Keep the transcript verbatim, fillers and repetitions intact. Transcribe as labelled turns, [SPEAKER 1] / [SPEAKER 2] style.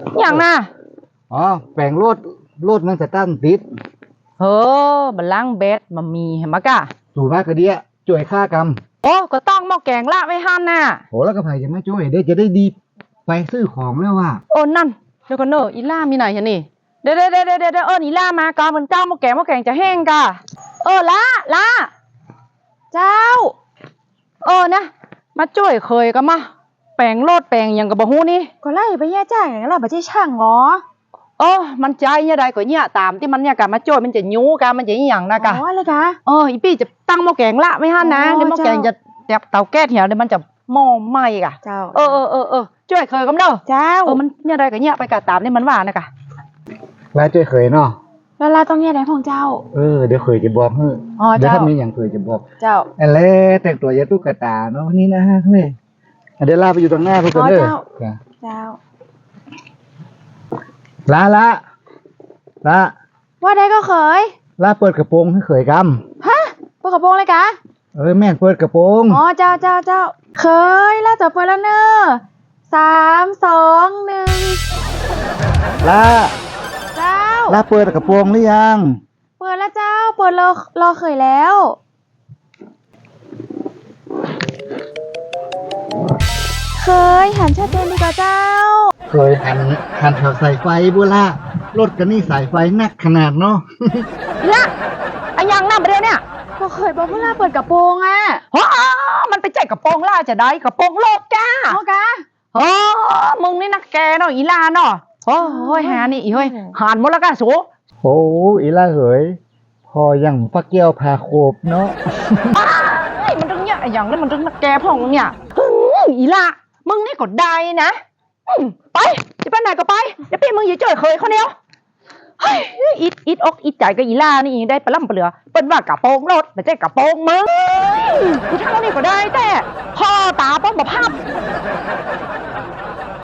[SPEAKER 1] อย่างน่ะ
[SPEAKER 2] อ๋อแปลงรถรถมันสตาร์ทติด
[SPEAKER 1] เฮ้อบัลลังก์เบสมันมีเห็นมะกะ
[SPEAKER 2] สู่มากกระเดียจ่วยค่ากรรม
[SPEAKER 1] โอ้ก็ต้องหม้อแกงละไว้หันน่ะ
[SPEAKER 2] โหแล้วก็ไผ่จะไม่ช่วยเดี๋ยวจะได้ดีไปซื้อของแล้วว่า
[SPEAKER 1] โอ้นั่นเดี๋ยวก่อนเนอะอีล่ามีไหนฮะนี่เดี๋ยวเดี๋ยวเดี๋ยวเดี๋ยวเอออีล่ามาก่อนมันเจ้าหม้อแกงหม้อแกงจะแห้งกะเออละละเจ้าเออนะมาช่วยเคยก็มาแปลงโลดแปลงอย่างกับบะฮู้นี่
[SPEAKER 3] ก็ไล่ไปแย่จ้างอย่างนั้นแหละบัจช่างเหรอ
[SPEAKER 1] เออมันใจเนี่ยใดก็เนี่ยตามที่มันเนี่ยกะมาช่วยมันจะยูกะมันจะอีหยังนะกะ
[SPEAKER 3] อ๋ออะไรกะ
[SPEAKER 1] เอออีปี้จะตั้งหม้อแกงละไม่ฮั่นนะเดี๋ยวหม้อแกงจะแบบเตาแก๊สเหี่ยวเดี๋ยวมันจะหม้อไหม้กะ
[SPEAKER 3] เจ้า
[SPEAKER 1] เออเออเออเออช่วยเคยก็เด้อ
[SPEAKER 3] เจ้า
[SPEAKER 1] เออมันเนี่ยใดก็เนี่ยไปกะตามที่มันว่านะกะ
[SPEAKER 2] แล้วช่วยเคยเนาะ
[SPEAKER 3] แล้วเราต้องแย่ไหนของเจ้า
[SPEAKER 2] เออเดี๋ยวเคยจะบอกเฮ้
[SPEAKER 3] อ๋อ
[SPEAKER 2] เดี๋ยว
[SPEAKER 3] เจ้า
[SPEAKER 2] ถ้ามีอย่างเคยจะบอก
[SPEAKER 3] เจ้า
[SPEAKER 2] อะไรแต่งตัวยาตุ๊กตาเนาะนี่นะฮะเฮ้ยเดี๋ยวลาไปอยู่ตรงหน้าเพื่อนเด้อ
[SPEAKER 3] เจ้า
[SPEAKER 2] ละละละ
[SPEAKER 3] ว่าได้ก็เคย
[SPEAKER 2] ละเปิดกระโปรงให้เคยก
[SPEAKER 3] ฮะเปิดกระโปรงเลยกะ
[SPEAKER 2] ำเออแม่นเปิดกระโปรง
[SPEAKER 3] อ๋อเจ้าเจ้าเจ้าเคยแล้วต่อไปแล้วเนอะสามสองหนึ่ง
[SPEAKER 2] ละ
[SPEAKER 3] เจ้า
[SPEAKER 2] ละเปิดกระโปรงหรือยัง
[SPEAKER 3] เปิดแล้วเจ้าเปิดรอรอเคยแล้วเคยหันชัดเจนดีกว่าเจ้า
[SPEAKER 2] เคยหันหันแถวสายไฟบุล่ารถกันนี่สายไฟนักขนาดเนาะ
[SPEAKER 1] เนี่ยไอ้ยังหน้าประเดี๋ยวเนี่ย
[SPEAKER 3] ก็เคยบอกเวลาเปิดกระโปรงอ่ะ
[SPEAKER 1] อ๋อมันไปแจกกระโปรงล่าจะได้กระโปรงโลกจ้า
[SPEAKER 3] โอกะ
[SPEAKER 1] โอ้มึงนี่นักแกเนาะอีลาเนาะโอ้ยหานี่อีเฮ้ยหันหมดแล้วกันสู
[SPEAKER 2] โอ้อีล่าเหยพออย่างปักเกี้ยวพาโคบเนาะ
[SPEAKER 1] ไอ้มันต้องเนี่ยอย่างนี้มันต้องนักแกพ่องเนี่ยอีลามึงนี่กดได้นะไปจะไปไหนก็ไปเดี๋ยวพี่มึงอย่าเจอเคยเขาเนี้ยเฮ้ยอิดอิดอกอิดใจกับอีล่านี่ได้ปลาล่ำปลาเหลือเป็นว่ากระโปรงรถแต่เจ๊กระโปรงมึงกูทำนี่ก็ได้แต่พ่อตาป้องแบบภาพ